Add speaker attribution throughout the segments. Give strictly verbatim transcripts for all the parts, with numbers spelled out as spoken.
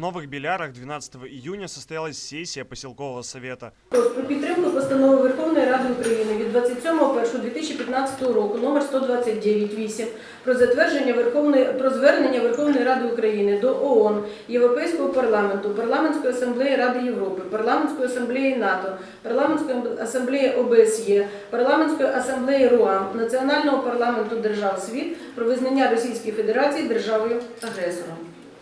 Speaker 1: Новых Белярах двенадцатого июня состоялась сесія поселкового совета.
Speaker 2: Про підтримку постанови Верховної Ради України від двадцять сьомого першого дві тисячі п'ятнадцятого року номер сто двадцять дев'ять вісім про затвердження Верховної про звернення Верховної Ради України до ООН, Європейського парламенту, Парламентської асамблеї Ради Європи, Парламентської асамблеї НАТО, Парламентської асамблеї О Б С Є, Парламентської асамблеї РУАМ, Національного парламенту держав світ про визнання Російської Федерації державою агресором.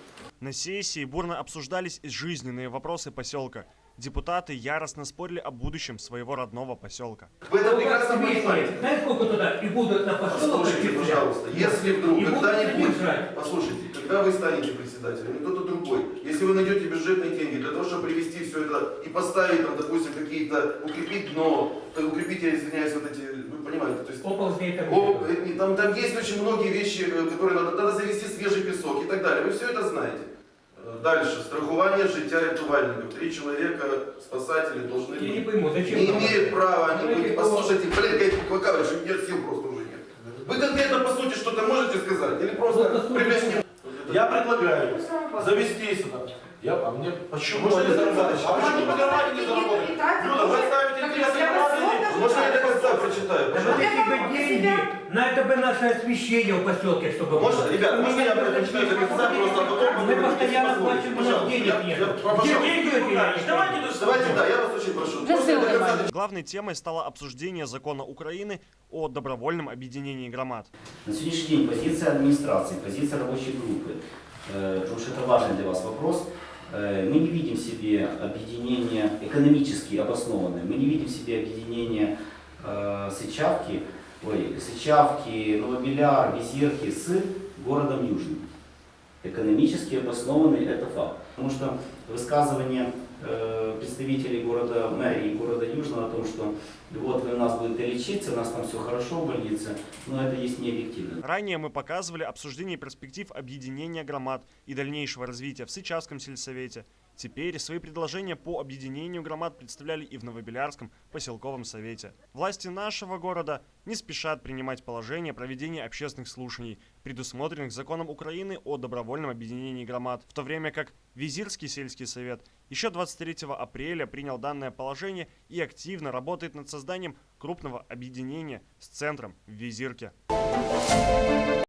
Speaker 1: На сессии бурно обсуждались жизненные вопросы поселка. Депутаты яростно спорили о будущем своего родного поселка.
Speaker 3: Вы это прекрасно понимаете.
Speaker 4: Знаете, сколько туда и будут на поселок?
Speaker 3: Послушайте, пожалуйста, если вдруг когда-нибудь, послушайте, когда вы станете председателем, кто-то другой, если вы найдете бюджетные деньги для того, чтобы привести все это и поставить там, допустим, какие-то, укрепить дно, укрепить, я извиняюсь, вот эти, вы понимаете, то есть...
Speaker 4: Оползней там.
Speaker 3: Оп, там, там есть очень многие вещи, которые надо, надо завести свежий песок и так далее, вы все это знаете. Дальше. Страхование життя рятувальников. Три человека, спасатели, должны быть.
Speaker 4: Я не пойму, зачем?
Speaker 3: Не имеют права они быть.
Speaker 4: Давайте
Speaker 3: Послушайте, блин, как Клакавич, у меня сил просто уже нет. Вы конкретно по сути что-то можете сказать? Или просто примерно?
Speaker 5: Я предлагаю завести сюда. Я, а мне почему
Speaker 3: Можно
Speaker 5: не
Speaker 3: не
Speaker 5: заработать? А почему по кармане не заработать? Люда, вы ставите интересы граждан.
Speaker 3: Можно я до конца прочитаю?
Speaker 4: Вот
Speaker 3: Пожалуйста.
Speaker 4: эти бы деньги, на это бы наше освещение в поселке, чтобы
Speaker 3: Можно,
Speaker 4: было.
Speaker 3: ребят, можно я прочитаю до конца, просто а потом
Speaker 4: Мы
Speaker 3: буду
Speaker 4: постоянно
Speaker 3: говорить,
Speaker 4: платим, у нас
Speaker 3: пожалуйста.
Speaker 4: денег
Speaker 3: Я-
Speaker 4: нет.
Speaker 3: я-
Speaker 4: Где
Speaker 3: пожалуйста.
Speaker 4: деньги эти? Давайте
Speaker 3: Давайте, да, я вас очень прошу. Можно я до конца
Speaker 1: Главной темой стало обсуждение закона Украины о добровольном объединении громад.
Speaker 6: На сегодняшний день позиция администрации, позиция рабочей группы, э, потому что это важный для вас вопрос, э, мы не видим в себе объединение экономически обоснованное, мы не видим в себе объединение э, Сычавки, ой, Сычавки, Новобеляр, Визирки с городом Южным. Экономически обоснованный это факт. Потому что высказывание э, представителей города мэрии города Южного о том, что вот вы у нас будете лечиться, у нас там все хорошо в больнице, но это есть не объективно.
Speaker 1: Ранее мы показывали обсуждение перспектив объединения громад и дальнейшего развития в Сычавском сельсовете. Теперь свои предложения по объединению громад представляли и в Новобелярском поселковом совете. Власти нашего города не спешат принимать положение проведения общественных слушаний, предусмотренных законом Украины о добровольном объединении громад, в то время как Визирский сельский совет еще двадцать третьего апреля принял данное положение и активно работает над созданием крупного объединения с центром в Визирке.